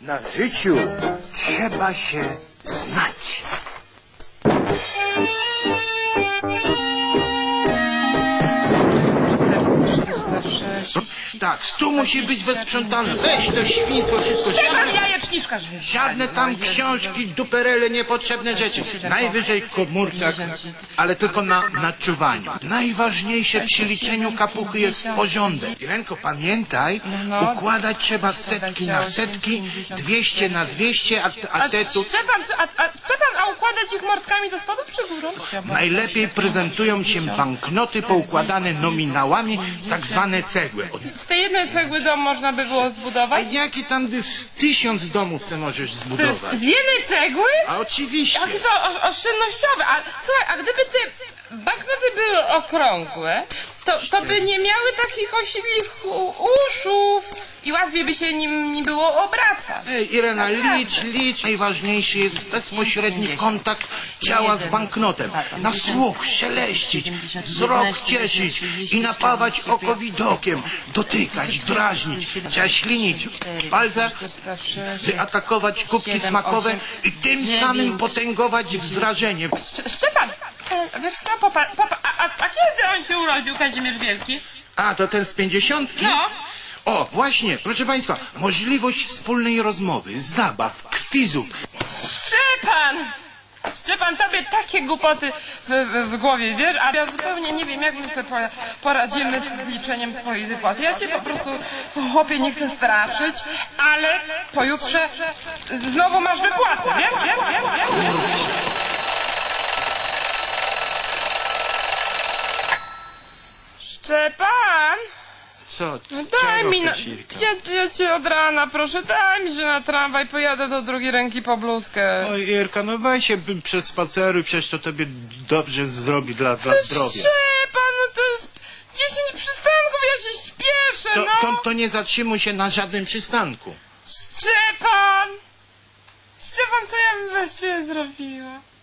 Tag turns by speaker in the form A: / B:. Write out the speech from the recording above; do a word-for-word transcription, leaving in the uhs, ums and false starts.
A: Na życiu trzeba się znać.
B: Tak, stół musi być wysprzątany. Weź to świństwo, wszystko.
C: Trzeba jajeczniczka, że
B: Żadne tam książki, duperele, niepotrzebne rzeczy. Najwyżej komórka, ale tylko na, na czuwaniu. Najważniejsze przy liczeniu kapuchy jest porządek. Irenko, pamiętaj, układać trzeba setki na setki, dwieście na dwieście, a, a te tu...
C: Szczepan, a, a, Szczepan, a układać ich mordkami do spadów czy górą?
B: Najlepiej prezentują się banknoty poukładane nominałami, tak zwane cegły.
C: Z tej jednej cegły dom można by było
B: A
C: zbudować?
B: jaki tam z tysiąc domów se możesz zbudować?
C: Z jednej cegły?
B: A oczywiście.
C: Jakie to o- oszczędnościowe. A słuchaj, a gdyby te banknoty były okrągłe, to, to by nie miały takich osidlich u- uszów i łatwiej by się nim nie było obracać.
B: Ej, Irena, licz, licz. Najważniejszy jest bezpośredni kontakt ciała z banknotem. Na słuch szeleścić, wzrok cieszyć i napawać oko widokiem, dotykać, drażnić, trzeba ślinić palce, wyatakować kubki smakowe i tym samym potęgować wrażenie.
C: Sz- Szczepan, e, wiesz co, popa, popa, a, a, a kiedy on się urodził, Kazimierz Wielki?
B: A, to ten z pięćdziesiątki?
C: No.
B: O, właśnie, proszę państwa, możliwość wspólnej rozmowy, zabaw, kwizów.
C: Szczepan! Szczepan, tobie takie głupoty w, w, w głowie, wiesz? A ja zupełnie nie wiem, jak my sobie po- poradzimy z liczeniem twojej wypłaty. Ja cię po prostu, chłopie, nie chcę straszyć, ale pojutrze znowu masz wypłatę, wiesz? Wiesz? Wiesz? Wiesz? Szczepan!
B: Co?
C: No daj
B: Czego
C: mi, na,
B: chcesz, Irka?
C: ja, ja cię od rana proszę, daj mi, że na tramwaj pojadę do drugiej ręki po bluzkę.
B: Oj, Irka, no weź się przed spaceru, przecież to tobie dobrze zrobi dla, dla zdrowia.
C: Szczepan, no to jest dziesięć przystanków, ja się śpieszę,
B: To,
C: no.
B: to, to nie zatrzymuj się na żadnym przystanku.
C: Szczepan! Szczepan, co ja bym bez ciebie zrobiła?